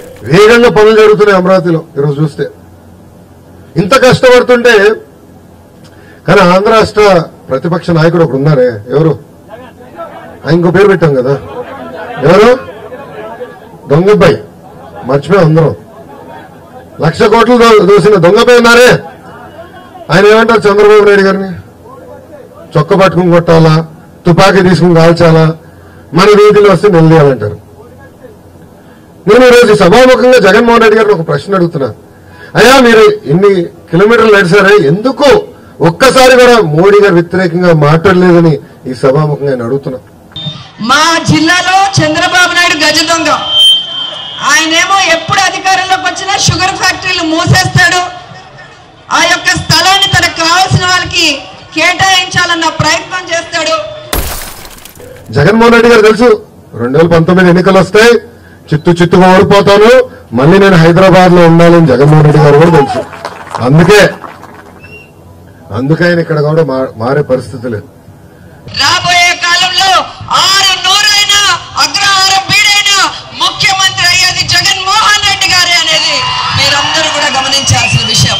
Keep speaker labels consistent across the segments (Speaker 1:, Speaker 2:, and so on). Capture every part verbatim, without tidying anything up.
Speaker 1: వేగంగా పనులు జరుగుతున్నాయి అమరావతిలో ఈరోజు చూస్తే. ఇంత కష్టపడుతుంటే కానీ ఆంధ్ర రాష్ట్ర ప్రతిపక్ష నాయకుడు ఒకరు ఉన్నారే, ఎవరు? ఇంకో పేరు పెట్టాం కదా, ఎవరు? దొంగబ్బాయి. మర్చిపోయి అందరం లక్ష కోట్లు దోసిన దొంగబ్బాయి ఉన్నారే. ఆయన ఏమంటారు చంద్రబాబు నాయుడు గారిని? చొక్క పట్టుకుని కొట్టాలా, తుపాకీ తీసుకుని కాల్చాలా, మన వీధిలో వస్తే నిలదీయాలంటారు. నేను ఈరోజు సభాముఖంగా జగన్మోహన్ రెడ్డి గారిని ఒక ప్రశ్న అడుగుతున్నా. అయ్యా మీరు ఇన్ని కిలోమీటర్లు నడిచారే, ఎందుకు ఒక్కసారి కూడా మోడీ గారు వ్యతిరేకంగా మాట్లాడలేదని ఈ సభాముఖంగా నేను అడుగుతున్నా.
Speaker 2: మా జిల్లాలో చంద్రబాబు నాయుడు గజ దొంగ. ఆయనేమో ఎప్పుడు అధికారంలోకి వచ్చినా షుగర్ ఫ్యాక్టరీలు మూసేస్తాడు, ఆ యొక్క స్థలాన్ని తనకు కావాల్సిన వాళ్ళకి కేటాయించాలన్న ప్రయత్నం చేస్తాడు.
Speaker 1: జగన్మోహన్ రెడ్డి గారు తెలుసు రెండు వేల పంతొమ్మిది ఎన్నికలు వస్తాయి, చిత్తు చిత్తుగా ఓడిపోతాను, మళ్ళీ నేను హైదరాబాద్ లో ఉండాలని జగన్మోహన్ రెడ్డి గారు కూడా తెలుసు. అందుకే అందుకే ఆయన ఇక్కడ కూడా మారే పరిస్థితి లేదు.
Speaker 2: రాబోయే కాలంలో ఆరు నూరైన అగ్రహారం బీడైన ముఖ్యమంత్రి అయ్యేది జగన్మోహన్ రెడ్డి గారే అనేది మీరందరూ కూడా గమనించాల్సిన విషయం.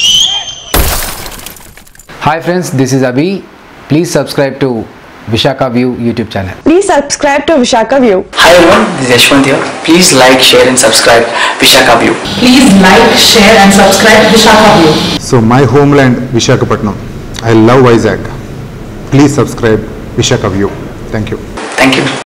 Speaker 3: Hi friends, this is Abhi. Please subscribe to Vishaka View YouTube channel.
Speaker 4: Please subscribe to Vishaka View.
Speaker 5: Hi everyone, this is Yashwant here. Please like, share and subscribe Vishaka View.
Speaker 2: Please like, share and subscribe Vishaka View.
Speaker 6: So my homeland Visakhapatnam. I love Vizag. Please subscribe Vishaka View. Thank you.
Speaker 5: Thank you.